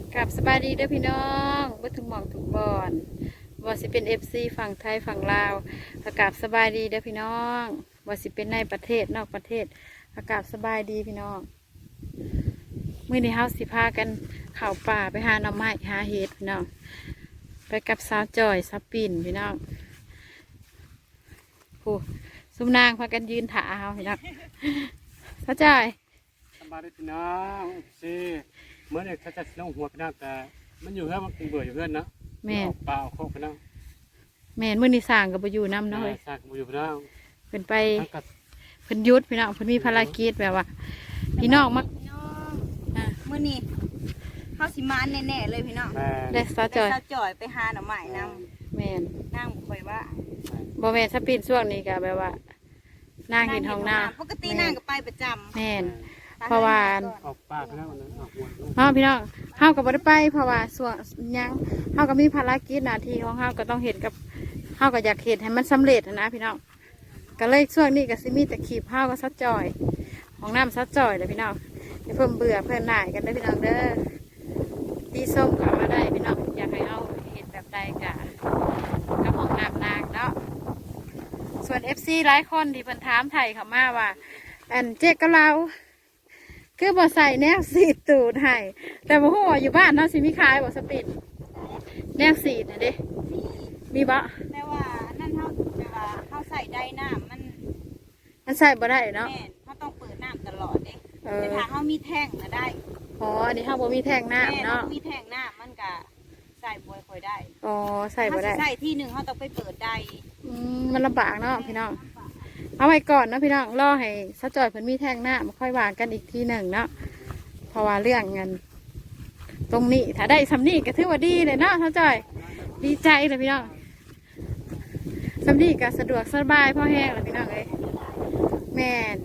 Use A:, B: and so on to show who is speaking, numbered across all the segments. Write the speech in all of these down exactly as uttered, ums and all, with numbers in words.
A: กับสบายดีเด้อพี่น้องบ่ทุกหม่องทุกบอนว่าสิเป็นเอฟซีฝั่งไทยฝั่งลาวอากาศสบายดีเด้อพี่น้องว่าสิเป็นในประเทศนอกประเทศอากาศสบายดีพี่น้องมื้อนี้เฮาสิพากันเข้าป่าไปหาหน่อไม้หาเห็ดพี่น้องไปกับสาวจอยสาวปิ่นพี่น้องโอ้ซุมนางพากันยืนถาเฮาพี่น้องสาวจอย
B: สบายดีพี่น้องสิเมื่อเนี่ยเขาจะลงหัวพี่น้องแต่มันอยู่เพื่อนมันเบื่ออยู่เพื่อนนะแม่เปล่าโคกพี่น้อง
A: แม่นมื้อนี้สร้างก็บ่อยู่นำเนาะเฮ้ย
B: สร้างบ่อยู่พี่น้อง
A: เพิ่นไปเพิ่นหยุดพี่น้องเพิ่นมีภารกิจแบบว่าพี่น้องมัก
C: เมื่อนี้เขาสิมาแน่ๆเลยพี่น้อง
A: ได้สาวจอย
C: สาวจอยไปหาหน่อไม้นำ
A: แม่น
C: นั่งบ่ค่อยว่า
A: บ่แม่นสปินช่วงนี้ก็แบบว่านั่งกินห้องน้ำ
C: ปกตินั่งก็ไปประจำ
A: แม่นเพราะว่า
B: ออกป่าพี่น้องนั้นออกหัว
A: เฮาพี่น้องเฮาก็บ่ได้ไปเพราะว่าช่วงยังเฮาก็มีภารกิจหน้าที่ของเฮาก็ต้องเฮ็ดกับเฮาก็อยากเฮ็ดให้มันสำเร็จนะพี่น้องก็เลยช่วงนี้ก็สิมีแต่ขีบเฮาก็ซัดจอยห้องน้ำซัดจอยเด้อพี่น้องให้เพิ่มเบื่อเพิ่นหน่ายกันเด้อพี่น้องเด้อที่ส้มก็เอามาได้พี่น้องอยากให้เอาเฮ็ดแบบใดก็กับห้องน้ำนางเนาะส่วน เอฟ ซี หลายคนที่เพิ่นถามไทยเข้ามาว่าอันเจ๊กับเราคือบ่ใส่แนวสีตูดให้แต่บ่ฮู้ว่าอยู่บ้านเนาะสิมีขายบ่สปินแนวสีน่ะเด้มีบ่
C: แต่ว่านั่นเฮาแต่ว่าเฮาใส่ได้น้ำมัน
A: มันใส่บ่ได้เนาะ
C: แม่นเฮาต้องเปิดน้ำตลอดเด้แต่ถ้าเฮามีแท่งน่ะได้
A: อ๋ออันนี้เฮาบ่มีแท่งน้ำเนาะ
C: มีแท่งน้ำมันก็ใส่บ่ค่อยได้
A: อ๋อใส่บ่ได้
C: ใส่ที่นึงเฮาต้องไปเปิดได้
A: อืมมันลำบากเนาะพี่น้องเอาไว้ก่อนนะพี่น้องรอให้ซะจอยเพิ่นมีแท่งน้ำค่อยว่ากันอีกทีหนึ่งเนาะเพราะว่าเรื่องเงินตรงนี้ถ้าได้สำนีก็ถือว่าดีเลยเนาะซะจอยดีใจเลยพี่น้องสำนีก็สะดวกสบายพ่อแห้งเลยพี่น้องเอ้ยแม่น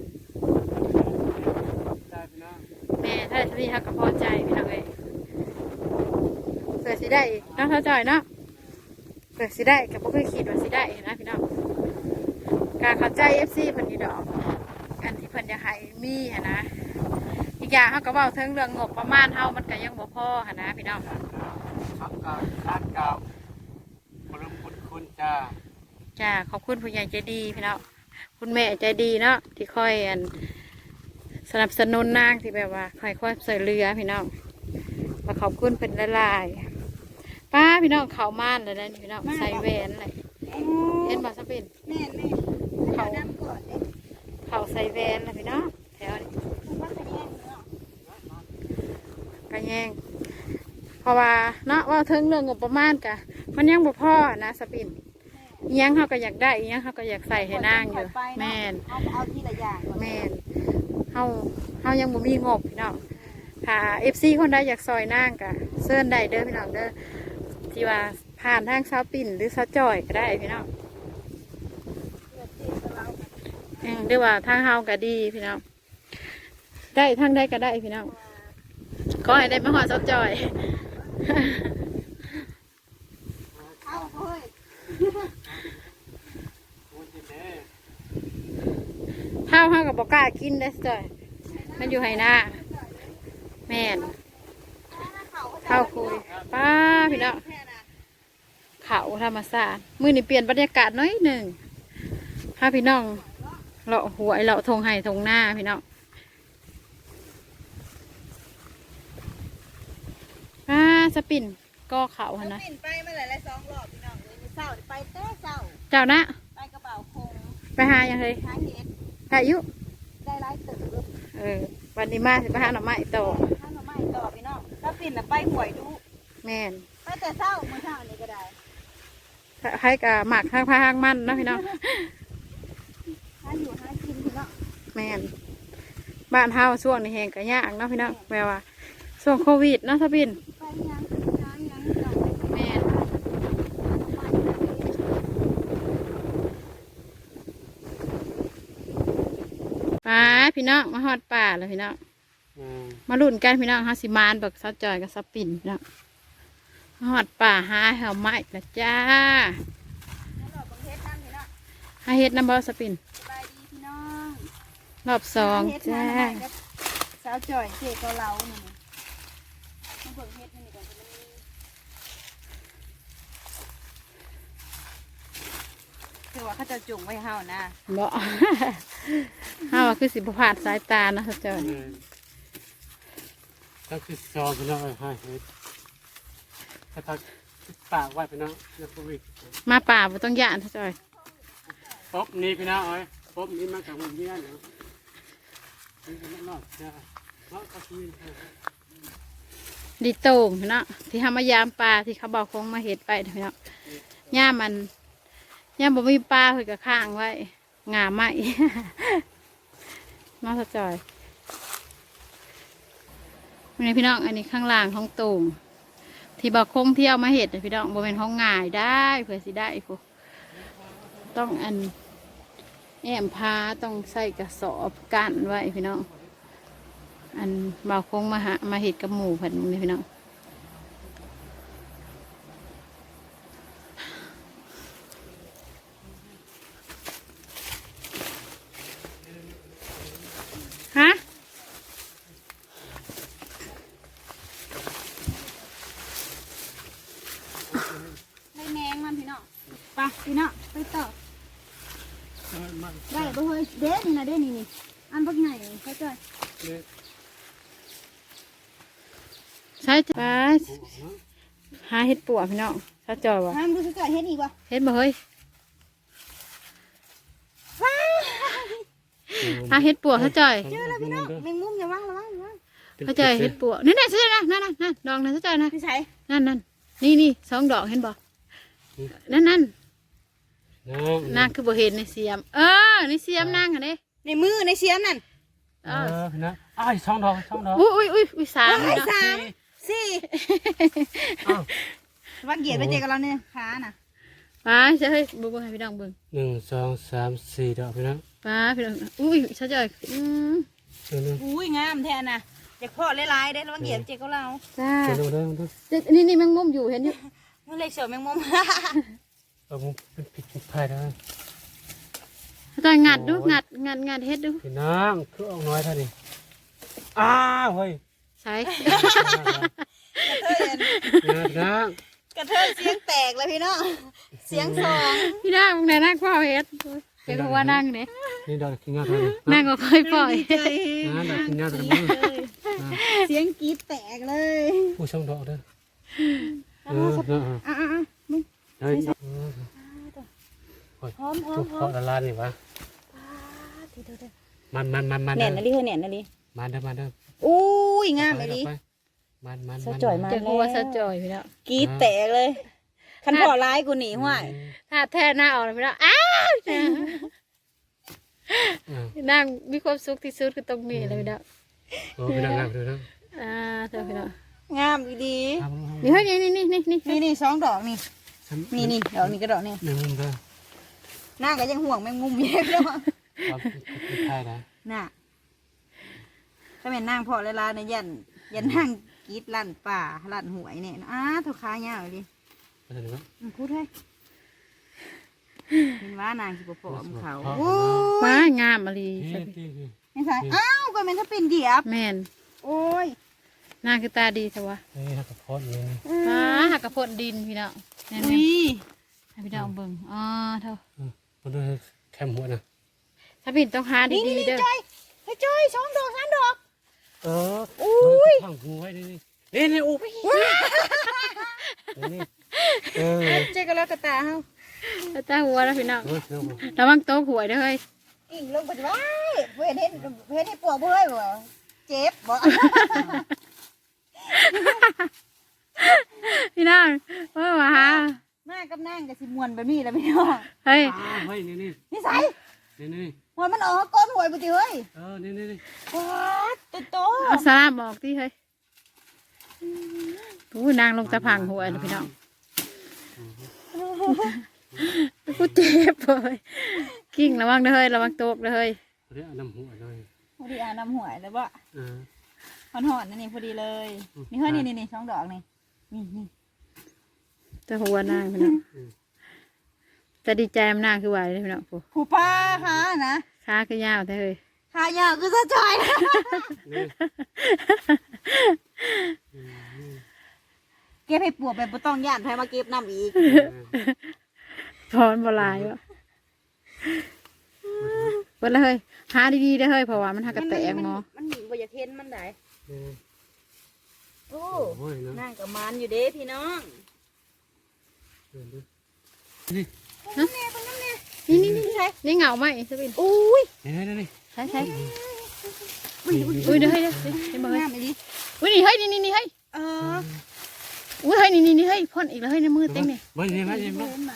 A: แม่ถ้าได้สำนีเขาก็พอใจพี่น้องเอ้ยเกิดสิได้เนาะซะจอยเนาะเกิดสิได้กับพวกเคยคิดว่าสิได้นะพี่น้องการเข้าใจเอฟซีเพิ่นนี่ดอกอันที่เพิ่นจะให้มีหนะอีกอย่างเขาก็เว้าถึงเรื่องงบประมาณเฮามันก็ยังบ่พอหนะพี่น้อง
B: ครับเก่าร้านเก่าพลเมืองคุณจ้า
A: จ้าขอบคุณผู้ใหญ่ใจดีพี่น้องคุณแม่ใจดีเนาะที่คอยอันสนับสนุนนางที่แบบว่าคอยคอยใส่เรือพี่น้องมาขอบคุณเป็นละลายป้าพี่น้องเขาม่านเลยนะพี่น้องใส่แหวนเลยเห็นบ่สปิน
C: แม่แม่เขาน้ำก่อนเลย
A: เขาใส่แหวนเลยพี่น้องแถวนี้กระแยงเพราะว่าเนาะว่าถึงเรื่องงบประมาณกะมันยังบ่พอนะสปินยังเขาก็อยากได้ยังเขาก็อยากใส่ให้นางอยู่แม่น
C: เอาทีละอย่าง
A: แม่นเขาเขายังบ่มีงบพี่น้องถ้าเอฟซีคนใดอยากซอยนางกะเซิร์นได้เด้อพี่น้องเด้อที่ว่าผ่านทางสาวปิ่นหรือสาวจอยก็ได้พี่น้องเรียกว่าทางเฮาก็ดีพี่น้องได้ทางได้ก็ได้พี่น้องขอให้ได้มาหอดสาวจอยข้าวเฮากับบอกล้ากินได้จอยมันอยู่ไหหน้าแม่นข้าวคุยป้าพี่น้องเขาธรรมศาสตร์มือนี่เปลี่ยนบรรยากาศน้อยหนึ่งพาพี่น้องเลาะหวยเลาะทงไห่ทงหน้าพี่น้องป้าสปินก็เขาฮะนะ
C: สปินไปมาหลายๆสองรอบพี่น้องเลยเศร้าไปเต้เศร้า
A: เจ้านะ
C: ไปกระเป๋าคง
A: ไปหายังเลย
C: หาเห็ด
A: หายุ
C: ได้หลายตึก
A: เออวันนี้มาสิไปหาหน่อไม้ต่อ
C: หาหน่อไม้ต่อพี่น้องสปินน่ะไปหวยดู
A: แม่น
C: ไปแต่เศร้าเมื่อเช้านี้ก็ได้
A: ให้กับหมักข้างพาข้างมันนะพี่น้อง
C: หาอยู่หากินพี่น้อง
A: แม่นบ้านเฮาช่วงนี้แหงกระยากเนาะพี่น้องแปลว่าช่วงโควิดเนาะสปินแม่นป่าพี่น้องมาฮอดป่าเลยพี่น้องมาลุ่นกันพี่น้องฮาสิมานบักซัดจอยกับสปินพี่น้องฮอดป่าหาแถวไม้ละจ้าหาเฮ็ดน้ำบอสปินรอบสองจ้า
C: สาวจ่อยเจ๊เกาเหลาหนึ่งมาเบิ่งเฮ็ดนี่ก่อนมันมีคือว่าเขาจะจุ่มไว้ให้เฮานะ
A: บ่ ห้าว่าคือสิบผ่านสายตานะเขาเจ้า
B: เออตั้งที่ซองพี่น้องเอ้ยให้เฮ็ดถ้าทักปากไว้พี่น้องเรื่องโควิด
A: มาป่าบ่ต้องย่านเขาเจ้า
B: ป๊บนี่พี่น้องเอ้ยป๊บนี่มาจากมุมนี้นะนี่ก็นอกจ้าเนาะก็คือ
A: ดีโต่งเนาะที่ทำมายามปลาที่เขาบอกคงมาเห็ดไปเนาะย่ามันย่าบ่มีปลาเพิ่นก็ข้างไว้งาไหม มาสะจอยนี่พี่น้องอันนี้ข้างล่างของโต่งที่บอกคงที่เอามาเห็ดน่ะพี่น้องบ่เป็นของง่ายได้เผื่อสิได้พวกต้องอันแอมพาต้องใส่กระสอบกั้นไว้พี่น้องอันบ่าวคงมาหามาเห็ดกับหมูเพิ่นนี่พี่น้องฮะ
C: ได้แมงมันพี่น้องไปพี่น้องไปต่อ
B: เออมัน
C: ได้บ่เฮ้ยเด้นี่นะเด้นี่นี่อันบักใหญ่เขาจ้อย
B: เนี่ย
A: ใช่จ้ะไปหาเห็ดปวกพี่น้องถ้าจอยวะ
C: ห้ามดูเขาจ้อยเฮ็ดอีกวะ
A: เห็ดบ่เฮ้ยหาเห็ดปวกถ้าจอย
B: เจอแล้วพี่น้อง
C: แมงมุมอย่าว่างระวังระวัง
A: ถ้าจอยเห็ดปวกนี่นี่ใช่นะนั่นนั่นนั่นดองนะถ้าจอยนะ
C: พี่ใส่
A: นั่นนั่นนี่นี่สองดอกเห็นบ่นั่นนั่น
B: น้อง
A: นางคือบ่เห็นในเสียม เออในเสียมนางค่ะเด้
C: ในมือในเสียมนั่น
A: เอ
B: เอ
A: อ
B: อพี่น้องอ้ายสองดอกสองดอก
A: อุ้ยอุ้ยอุ้ยอุ้ยสาม
C: ไอ้
A: เนาะ
C: สามสี่
B: อ้าว
C: ว่าเกียดไปเจอกับเราเนี่ยขาน่ะ
A: ไปใช่เฮ้ยบ่เบิ่งให้พี่น้องเบิ่ง
B: หนึ่งสองสามสี่ดอกพี่น้อง
A: ไปพี่น้องอุ้ยถ้าจอยอืม
B: เจอหนึ่ง
C: อุ้ยงามแทนน่ะอยากพอดหลายๆได้แล้วว่าเกียดไปเจอกับเรา
A: จ้า
B: เจอหนึ่งเด้อเด้อ
A: เด็ดนี่นี่แมงมุมอยู่เห็นอยู่
C: เมื่อไรเสือแมงมุม
B: เอาผมเป็นผิดผิดพลาดนะ
A: ถ้าจอยงัดดูงัดงัดงัดเฮ็ดดู
B: พี่น้องคือออกน้อยเท่านี้อ้าวเฮ้ย
A: ใช่
C: กระเทย
B: พี่น้อง
C: กระเทยเสียงแตกเลยพี่น้องเสียงสอง
A: พี่นางมึงไหนนั่งพ่อเฮ็ดเป็นหัวนั่งเนี่ย
B: นี่ดอกกินงาเท่านี้
A: นั่งก็ค่อยปล่อย
B: นะดอกกินงาเท่านี้
C: เสียงกรีดแตกเลย
B: ผู้ช่องดอกเด้อเออเออ
C: อ่ะอ่ะอ่ะมึง
B: เฮ้ย
C: หอมหอ
B: ทุ
C: ม
B: ก
C: หอ
B: ข้อ
C: ม
B: ละลานนี่วะมันมันมันมัน
C: แหน่นนะลิเฮ้ยแหน่นนะลิ
B: มันเด้อมันเด้อ
C: อุ้ยงามเลยดิ
B: มันมัน
C: สะจ่อยมา
A: เจะหัวสะจอยพี่แล้ว
C: กรีดแตกเลยคันพอร้ายกูหนีห้วย
A: ถ้าแท้หน้าออกเลยพี่แล้วอ้าวนั่งมีความสุขที่สุดคือตรงนี้เลยพี่แล้ว
B: โอ้พี่น้องครับพี่น้อง
A: อ่าเธอพี่แล้ว
C: งามอีดี
A: นี่เฮ้ยนี่นี่นี่นี่
C: นี่นี่สองดอกนี่นี่นี่ดอกนี้ก็ดอกนี่
B: ในมุมเด้อ
C: หน้าก็ยังห่วงแมงมุมอยู่เลยพี่น้อง
B: ความผิดพลาดนะ
C: น่ะถ้าเป็นนางพอเวลาในยยันยันนั่งกรีดลั่นป่าลั่นหวยเนี่ยอ้าทุกค้ายาวเลย
B: มาถึงแล้ว
C: อืมพูดให้เห็นว่านางสิบปอมเขา
B: อ๋อ
C: โอ้
A: มางามอะไร
B: ที่ที่ที่
C: ไม่ใช่อ้าวก็เป็นถ้าเป็นเหยียบ
A: แม่น
C: โอ้ย
A: นางคือตาดีแต่ว่า
B: นี่ฮักกระพอดนี่
A: ป้าหักกระพดดินพี่แล้วแน่น
C: อุ้ย
A: ๆให้พี่แล้วเบิ่งอ๋อเท่า
B: มาดูแคมหัวนะ
A: ถ้าพี่ต้องหา
C: นี่นี่
A: ดีๆ
C: นี่
A: เด้อ
C: จอยเฮ้ยจอยสองดอกสามดอก
B: เอออุ้ยข้างหัวไว้นี่นี่นี่โอ้ยนี่เออ
C: เจ๊ก็แล้วกระตาเฮา
A: ตาหัวแล้วพี่น้อง
B: เฮ้ยน้อง
A: ระวังโต๊ะหวยเด้อเฮ้ย
C: อิ่งลงไปจะไว้เพื่อนเห็นเพื่อนให้ปวดเพื่อนบ่เจ็บบ่
A: พี่น้องเออมาหา
C: มากับนางกับสิมวนแบบนี้แล้วพี่น้อง
A: เฮ้ย
B: อ้าวเฮ้ยนี่นี่
C: นิสัย
B: นี่นี่
C: มวนมันออกก้อนหวยปติเฮ้ย
B: เออนี่นี่นี่
C: ว้าโตโต
A: เอาสลามบอกที่เฮ้ยอู้นางลงตะพังหวยนะพี่น้องกูเจ็บเลยกิ้งระวังเด้อเฮ้ยระวังโต๊ะเด้อเฮ้ย
B: เรียกน้ำหัวหน่อย
C: พอดีอ่านน้ำหวยแล้วบ่
B: เออ
C: หอนหอนๆนั่นนี่พอดีเลย นี่เฮ้ยนี่นี่นี่สองดอกนี่นี่นี่
A: ตะหัวนางพี่น้องแต่ดีใจมันนางคือไหวเลยพี่น้องผู้
C: ผู้ป้าค่ะนะ
A: ขาคือยาวแต่เฮ้ย
C: ขายาวคือสะจอยนะ
B: นี่
C: ก็บให้ปวกไปบ่ต้องย่านไผมาเก็บน้ำอีก
A: พรบหลายวะเปิดเลยเฮ้ยหาดีๆได้อเฮ้ยเพราะว่ามันหากระแตกหมอ
C: มันมันบ่อยากเห็นมันได้
B: เออ
C: โอ้
B: โอ้ยเนาะ
C: นั่งกับมันอยู่เด้พี่น้อง
B: เออดูนี่
A: นี่นี่นี่ใช่นี่เหงาไหมสปิน
C: อุ้ย
B: เฮ้ยนี่นี่
A: ใช่ใช่อุ้ยเดี๋ยวเฮ้ยเดี๋ยวเฮ้ยเดี๋ยวมาเฮ้ย
C: งามอีหลี
A: อุ้ยนี่เฮ้ยนี่นี่นี่เฮ้ย
C: เออ
A: อุ้ยเฮ้ยนี่นี่นี่เฮ้ยพ่นอีกแล้วเฮ้ยในมือเต็งนี่
B: ไม่ใช่ไม่ใช่
C: เห็
B: ไม่
C: นมัน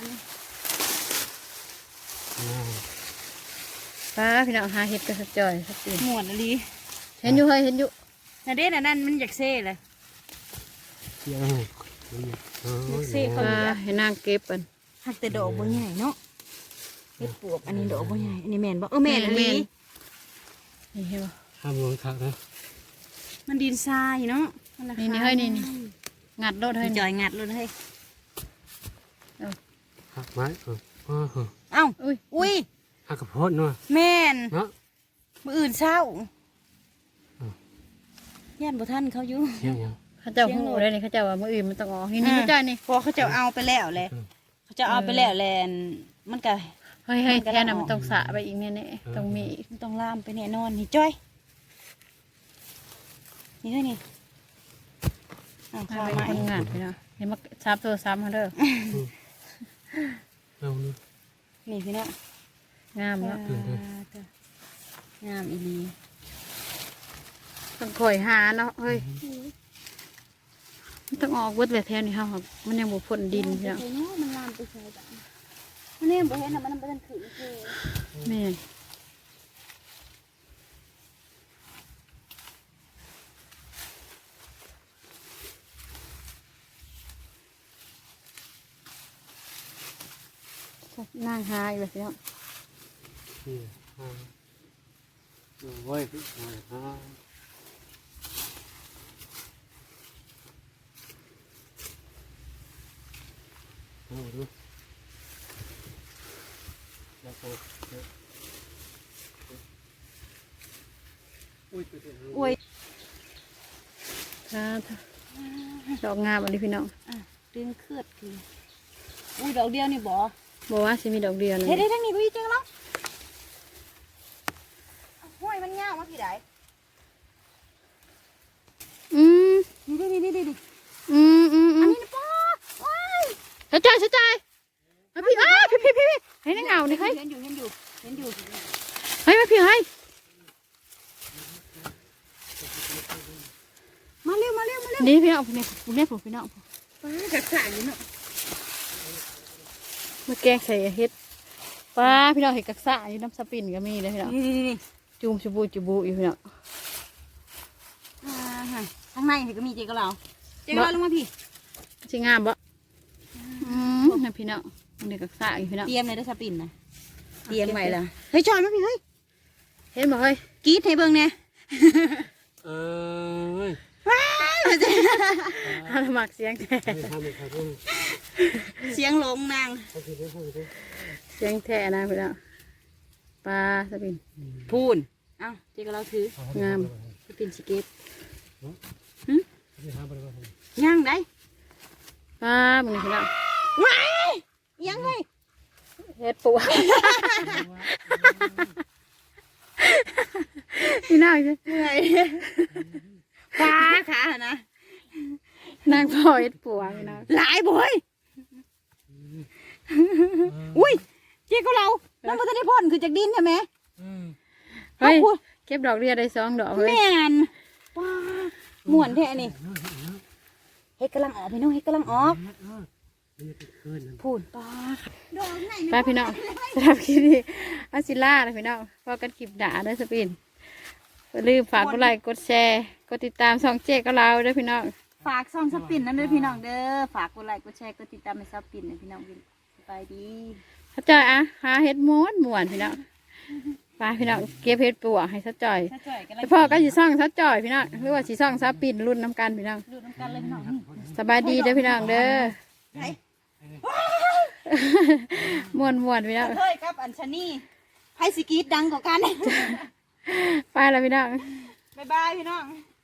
A: ป้าพี่น้องหาเห็ดกระสจอยสปิน
C: ม่วนอีหลี
A: เห็นอยู่เฮ้ยเห็นอยู่
C: น่ะเด้น่ะนั่นมันอยากเซ่เลย
B: เออเออ
C: เซ่เขา
A: ป้าให้นางเก็บกัน
C: หักแต่ดอกบ่ใหญ่เนาะเฮ็ดปวกอันนี้ดอกบ่ใหญ่อันนี้แม่นบ่เออแม่นอีหลี
A: นี่เห็นป่ะ
B: ห้ามลงทักนะ
C: มันดินทรายเนาะมัราคา
A: นี่นี่เฮ้ยนี่นี่ งัดโดดเฮ้ย
C: จอยงัดเลยเฮ้ย
B: หักไม้เออเออเออ
C: เอ้า
A: อุ้ย
C: อุ้ย
B: หักกระโพดเนาะ
C: แม่น
B: เนาะ
C: มื้ออื่นเช้า
B: อืม
C: ย่านบ่ทันเขาอยู่
B: เที่ยงยัง
A: เขาเจ้าหูได้นี่เขาเจ้าว่ามืออื่นมันต้องออกนี่นี่เขาเจ้านี่
C: พอเขาจะเอาไปแล้วแหละเขาจะเอาไปแล้วแหละมันก็
A: เฮ้ยเฮ้ยแค่นั้นมันต้องสระไปอีกแน่ๆต้องมีอีก
C: มันต้องล่ามไปแน่นอนนี่จ้อยนี่ด้วยนี่เอา
A: เอา
C: ข้าว
A: ไป
C: มา
A: คนงานไปเนาะเห็นมาซับตัวซ้ำเขาเด้อ
B: เอาดู
C: นี่พี่น้อง
A: งามเนาะ
C: งามอีหลี
A: ต้องคอยหาเนาะเฮ้ยมันต้องออกเวิร์ดแบบแถวนี้เฮาครับมันยังบ่พ่นดินเนาะ
C: มันลามไปใส่บ้านมันนี่บ่เห็นน่ะมันบ่ทันขึ้นคือ
A: แม่นนั่งหาอยู่แบบนี้
B: นี่อ่าโอ้ยอ่าเอาดูแล้วก็อุ้ยตัวเดียว
C: โอ้ย
A: ค่ะดอกงามอันนี้พี่น้อง
C: อ่ะดึงเคลือดคืออุ้ยดอกเดียวนี่บ่
A: บอกว่าสิมีดอกเดียวเลย
C: เฮ็ดได้ทั้งนี้พี่จังแล้วห้วยมันยาวมาพี่ใด
A: อืม
C: นี่ดินี่ดินี่
A: อืมอืมอื
C: อัน
A: ม
C: นี้นะป้าว้าย
A: เสียใจเสียใจมาพี่อ้าพี่พี่พี่พี่ให้นั่งเงานี่เฮ้ย
C: เห็นอยู่เห็นอยู่เห็นอยู่
A: เฮ้ยมาพี่เฮ้ย
C: มาเร็วมาเร็วมาเร็ว
A: นี่พี่น้องนี่ผมเนี่ยผมพี่น้อง
C: ป้าจักสานอยู่เนาะ
A: มาแกงใส่เฮ็ดป้าพี่น้องเห็ดกักษะอยู่น้ำสปินก็มีเลยพี่น้อง
C: นี่นี่นี่
A: จูมชูบูจูบูอยู่พี่น้อง
C: อ่าฮะข้างในเห็นก็มีเจ๊กับเราเจ๊กับเราลงมาพี่
A: ชิงามบ่อืมนะพี่น้องมันเด็กกักษะอยู่พี่น้อง
C: เตรียมเลยได้อสปินนะเตรียมไว้ละเฮ้ยจอยมาพี่เฮ้ย
A: เห็นบ่เฮ้ย
C: กรีดให้เบิ่งเนี่ย
B: เอ้ย
A: ฮาหมักเสียงแท้
B: ไม่ทำไม่ทำ
C: เสียงหลงนาง
B: เอาทีเดียวเอาทีเดียว
A: เสียงแท้นะพี่น้องปลาสปิน
C: พูนเอ้าเจ๊กับเราถือง
A: าม
C: สปินสเก็ต
B: ไม่ทำไปเลย
C: ย่างได้
A: ปลามึงนี่พี่น้อง
C: ว้ายยังไง
A: เฮ็ดปูพี่น้องจ้ะ
C: เหนื่อยฟ้าขานะ
A: นางพ่อเฮ็ดปูพี่น้อง
C: หลายบ่อยอุ้ยเจ๊กับเราน้ำมันจะได้พ่นคือจากดินใช่ไหม
A: เฮ้ยเก็บดอกเรียได้สองดอกเฮ้ย
C: แม่นว้าม่วนแท้นี่เฮ็ดกำลังออกพี่น้องเฮ็ดกำลังออกพูนป้าดอกไหน
A: ป้าพี่น้องสำหรับคลิปนี้อาซิล่านะพี่น้องพอกันคลิปด่าด้วยสปินอย่าลืมฝากกดไลค์กดแชร์กดติดตามช่องเจ๊กับเราด้วยพี่น้อง
C: ฝากซ่องสปินนั่นด้วยพี่น้องเด้อฝากกดไลค์กดแชร์กดติดตามให้สปินนะพี่น้องสบายดี
A: เขาจอยอ่ะหาเฮ็ดม้วนม้วนพี่น้องป้าพี่น้องเก็บเฮ็ดปัวให้ซะจ่อย
C: ถ้าจ่อยกัน
A: แต่พ่อก็สิซ่องซะจ่อยพี่น้องหรือว่าสิซ่องซะปินรุ่นน้ำกันพี่น้อง
C: ดูน้ำกันเลยพี่น้องนี่
A: สบายดีเด้อพี่น้องเด้อ
C: ไหน
A: ม้วนม้วนพี่น้อง
C: เฮ้ยกับอัญชนีไพสิกรีดดังกว่ากัน
A: ไปแล้วพี่น้อง
C: บ๊ายบายพี่น้อง